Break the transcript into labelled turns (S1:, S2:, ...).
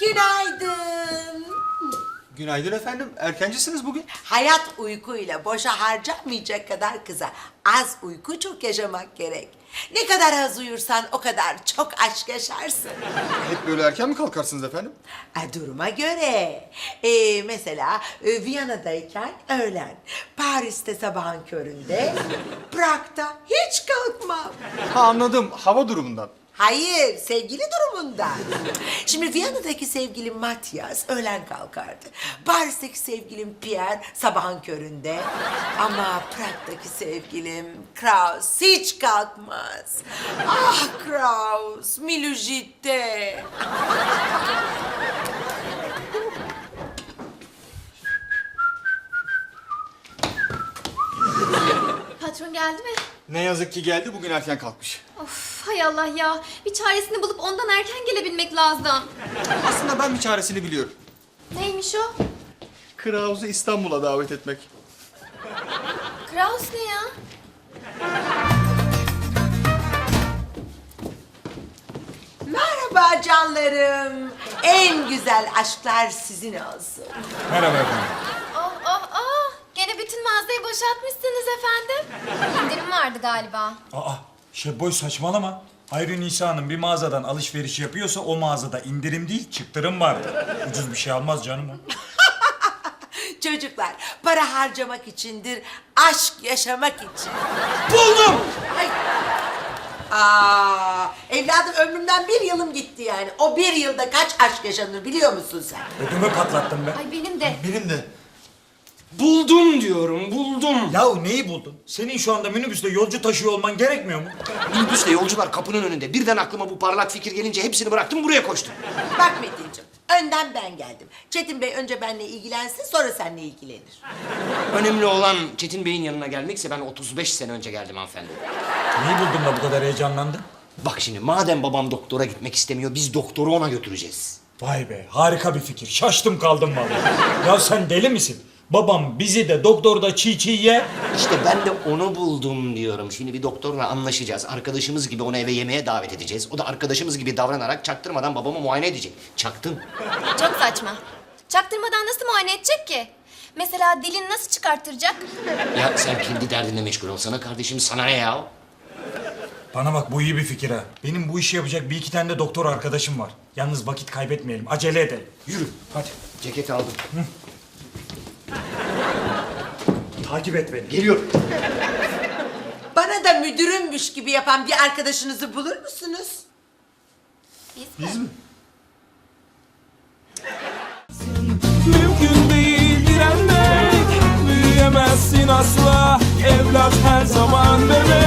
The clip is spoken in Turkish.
S1: Günaydın.
S2: Günaydın efendim. Erkencisiniz bugün.
S1: Hayat uykuyla boşa harcanmayacak kadar kısa. Az uyku çok yaşamak gerek. Ne kadar az uyursan o kadar çok aşk yaşarsın.
S2: Hep böyle erken mi kalkarsınız efendim?
S1: Duruma göre. Mesela Viyana'dayken öğlen, Paris'te sabahın köründe, Prag'da hiç kalkmam.
S2: Ha anladım. Hava durumundan.
S1: Hayır, sevgili durumunda. Şimdi Viyana'daki sevgilim Matyas öğlen kalkardı. Paris'teki sevgilim Pierre sabahın köründe. Ama Prag'daki sevgilim Kraus hiç kalkmaz. Ah Kraus, Milujite.
S3: Patron geldi mi?
S2: Ne yazık ki geldi. Bugün erken kalkmış.
S3: Of hay Allah ya. Bir çaresini bulup ondan erken gelebilmek lazım.
S2: Aslında ben bir çaresini biliyorum.
S3: Neymiş o?
S2: Kraus'u İstanbul'a davet etmek.
S3: Kraus ne ya?
S1: Merhaba canlarım. En güzel aşklar sizin olsun.
S4: Merhaba efendim.
S3: Oh oh oh. Gene bütün mağazayı boşaltmışsınız efendim. İndirim vardı galiba.
S4: Aa, Şeboy saçmalama. Hayri Nisa Hanım bir mağazadan alışveriş yapıyorsa o mağazada indirim değil çıktırım vardır. Ucuz bir şey almaz canım o.
S1: Çocuklar, para harcamak içindir, aşk yaşamak için.
S4: Buldum!
S1: Ay. Evladım ömrümden bir yılım gitti yani. O bir yılda kaç aşk yaşanır biliyor musun sen?
S4: Ödümü patlattım ben.
S3: Ay benim de.
S2: Benim de.
S5: Buldum diyorum, buldum.
S4: Yahu neyi buldun? Senin şu anda minibüste yolcu taşıyor olman gerekmiyor mu?
S5: Minibüsle yolcular kapının önünde. Birden aklıma bu parlak fikir gelince hepsini bıraktım buraya koştum.
S1: Bak Metin'cim, önden ben geldim. Çetin Bey önce benimle ilgilensin, sonra seninle ilgilenir.
S5: Önemli olan Çetin Bey'in yanına gelmekse ben 35 sene önce geldim hanımefendi.
S4: Neyi buldun da bu kadar heyecanlandın?
S5: Bak şimdi madem babam doktora gitmek istemiyor biz doktoru ona götüreceğiz.
S4: Vay be harika bir fikir. Şaştım kaldım vallahi. Ya sen deli misin? Babam bizi de doktor da çiğ çiğ ye.
S5: İşte ben de onu buldum diyorum. Şimdi bir doktorla anlaşacağız. Arkadaşımız gibi onu eve yemeğe davet edeceğiz. O da arkadaşımız gibi davranarak çaktırmadan babamı muayene edecek. Çaktım.
S3: Çok saçma. Çaktırmadan nasıl muayene edecek ki? Mesela dilini nasıl çıkarttıracak?
S5: Ya sen kendi derdinle meşgul olsana kardeşim, sana ne ya?
S4: Bana bak bu iyi bir fikir ha. Benim bu işi yapacak bir iki tane de doktor arkadaşım var. Yalnız vakit kaybetmeyelim. Acele edelim.
S5: Yürü.
S4: Hadi.
S5: Ceketi aldım.
S4: Takip et beni.
S5: Geliyorum.
S1: Bana da müdürümmüş gibi yapan bir arkadaşınızı bulur musunuz?
S4: Biz mi?
S6: Mümkün değil direnmek, büyüyemezsin asla. Evlat her zaman bebek.